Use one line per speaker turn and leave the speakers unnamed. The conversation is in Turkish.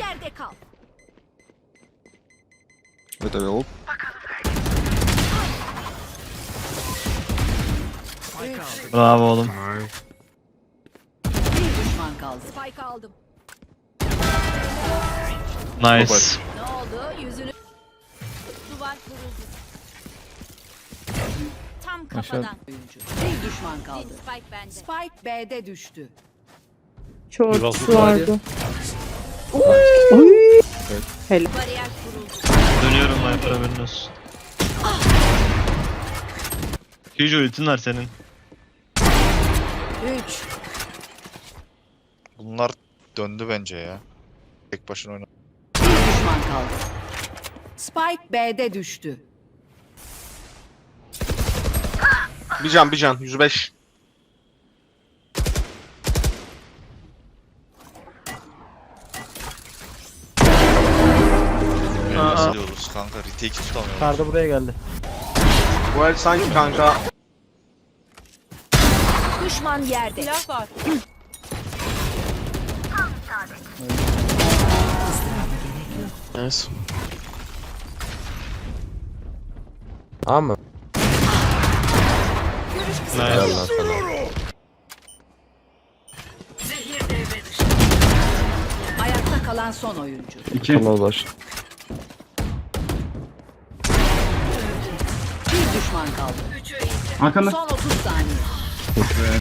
Yerde kal.
Gotowy łup.
Bravo oğlum.
Bir düşman kaldı. Spike aldım.
Nice.
Ne oldu? Yüzünü... Duvar kuruldu. Tam kafadan. Oyuncu. Bir düşman kaldı. Spike bende. Spike B'de düştü.
Short
Yuvası
vardı.
Bariyer kuruldu.
Dönüyorum Viper, haberin olsun. Huge ultin var senin.
3.
Bunlar döndü bence ya. Tek başına oynadı.
Bir düşman kaldı. Spike B'de düştü.
Bir can 105.
Nasıl diyoruz kanka? Retake'i tutamıyoruz.
Karda buraya geldi.
Bu el sanki kanka.
Düşman yerde. Silah var.
Nice.
Ama.
Nice.
Ayakta kalan son oyuncu.
Ulaş.
Bir düşman kaldı.
Arkanda.
Son 30 saniye.